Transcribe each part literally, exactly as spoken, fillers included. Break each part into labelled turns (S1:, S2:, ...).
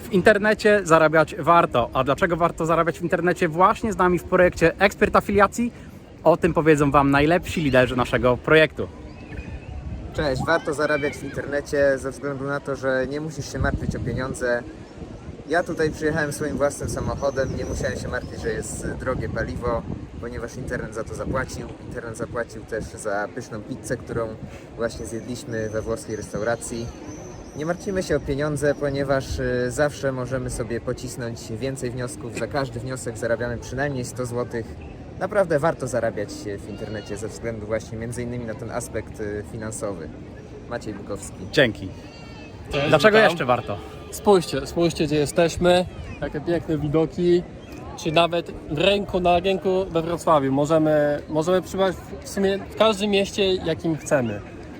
S1: W internecie zarabiać warto. A dlaczego warto zarabiać w internecie właśnie z nami w projekcie Ekspert Afiliacji? O tym powiedzą Wam najlepsi liderzy naszego projektu.
S2: Cześć, warto zarabiać w internecie ze względu na to, że nie musisz się martwić o pieniądze. Ja tutaj przyjechałem swoim własnym samochodem, nie musiałem się martwić, że jest drogie paliwo, ponieważ internet za to zapłacił. Internet zapłacił też za pyszną pizzę, którą właśnie zjedliśmy we włoskiej restauracji. Nie martwimy się o pieniądze, ponieważ y, zawsze możemy sobie pocisnąć więcej wniosków. Za każdy wniosek zarabiamy przynajmniej sto złotych. Naprawdę warto zarabiać w internecie ze względu właśnie między innymi na ten aspekt y, finansowy. Maciej Bukowski.
S1: Dzięki.
S3: Cześć,
S1: Dlaczego
S3: witam.
S1: jeszcze warto?
S3: Spójrzcie, spójrzcie gdzie jesteśmy, jakie piękne widoki, czy nawet w rynku, na rynku we Wrocławiu. Możemy, możemy przybywać w sumie w każdym mieście, jakim chcemy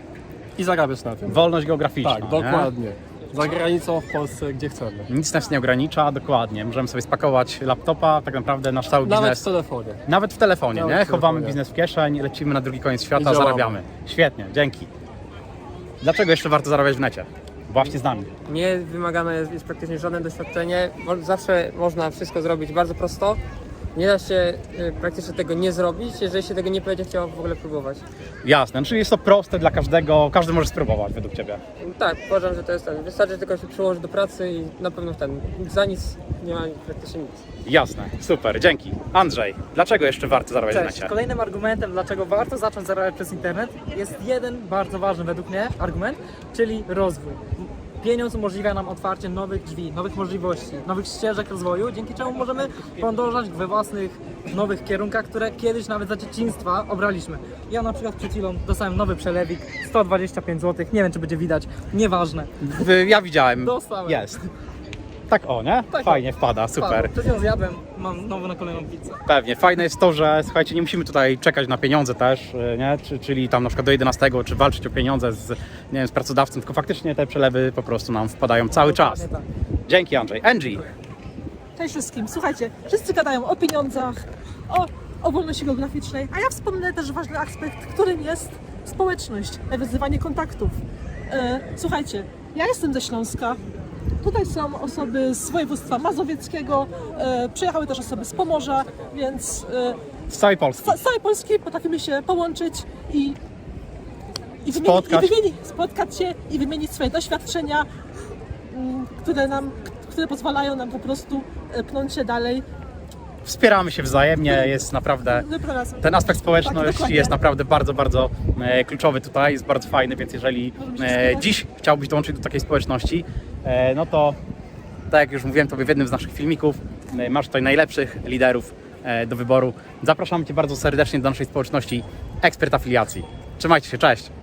S3: i zarabiać na tym.
S1: Wolność geograficzna.
S3: Tak,
S1: nie?
S3: dokładnie. Za granicą, w Polsce, gdzie chcemy.
S1: Nic nas nie ogranicza, dokładnie. Możemy sobie spakować laptopa, tak naprawdę nasz cały
S3: Nawet
S1: biznes.
S3: w telefonie.
S1: Nawet w telefonie,
S3: Nawet
S1: nie?
S3: w
S1: Chowamy
S3: telefonie.
S1: biznes w kieszeń, lecimy na drugi koniec
S3: I
S1: świata,
S3: działamy.
S1: zarabiamy. Świetnie, dzięki. Dlaczego jeszcze warto zarabiać w necie? Właśnie z nami.
S4: Nie wymagane jest, jest praktycznie żadne doświadczenie. Mo- Zawsze można wszystko zrobić bardzo prosto. Nie da się y, praktycznie tego nie zrobić, jeżeli się tego nie będzie chciało w ogóle próbować.
S1: Jasne, czyli jest to proste dla każdego, każdy może spróbować według Ciebie.
S4: Tak, uważam, że to jest ten. Wystarczy tylko się przyłożyć do pracy i na pewno ten. Za nic nie ma praktycznie nic.
S1: Jasne, super, dzięki. Andrzej, dlaczego jeszcze warto zarabiać w
S5: Cześć.
S1: necie?
S5: Kolejnym argumentem, dlaczego warto zacząć zarabiać przez internet, jest jeden bardzo ważny według mnie argument, czyli rozwój. Pieniądz umożliwia nam otwarcie nowych drzwi, nowych możliwości, nowych ścieżek rozwoju, dzięki czemu możemy podążać we własnych nowych kierunkach, które kiedyś nawet za dzieciństwa obraliśmy. Ja na przykład przed chwilą dostałem nowy przelewik, sto dwadzieścia pięć złotych, nie wiem czy będzie widać, nieważne.
S1: W- Ja widziałem.
S5: Dostałem.
S1: Jest. Tak o, nie?
S5: Tak o.
S1: Fajnie wpada, super.
S5: Przed chwilą zjadłem, mam znowu na kolejną pizzę.
S1: Pewnie. Fajne jest to, że słuchajcie, nie musimy tutaj czekać na pieniądze też, y, nie? Czy, czyli tam na przykład do jedenastego, czy walczyć o pieniądze z, nie wiem, z pracodawcą, tylko faktycznie te przelewy po prostu nam wpadają cały czas.
S5: Dokładnie tak.
S1: Dzięki, Andrzej. Angie,
S6: Cześć wszystkim. Słuchajcie, wszyscy gadają o pieniądzach, o, o wolności geograficznej, a ja wspomnę też ważny aspekt, którym jest społeczność, nawiązywanie kontaktów. E, słuchajcie, ja jestem ze Śląska. Tutaj są osoby z województwa mazowieckiego, e, przyjechały też osoby z Pomorza, więc e,
S1: z całej Polski.
S6: z całej Polski potrafimy się połączyć i, i, wymienić,
S1: Spotkać.
S6: i wymienić, spotkać się i wymienić swoje doświadczenia, mm, które nam, które pozwalają nam po prostu e, pnąć się dalej.
S1: Wspieramy się wzajemnie, jest naprawdę...
S6: Wyprowadzam.
S1: Ten aspekt
S6: Tak,
S1: społeczności
S6: dokładnie.
S1: jest naprawdę bardzo, bardzo e, kluczowy tutaj, jest bardzo fajny, więc jeżeli e, dziś chciałbyś dołączyć do takiej społeczności, e, no to tak jak już mówiłem Tobie w jednym z naszych filmików, e, masz tutaj najlepszych liderów e, do wyboru. Zapraszamy Cię bardzo serdecznie do naszej społeczności Ekspert Afiliacji. Trzymajcie się, cześć!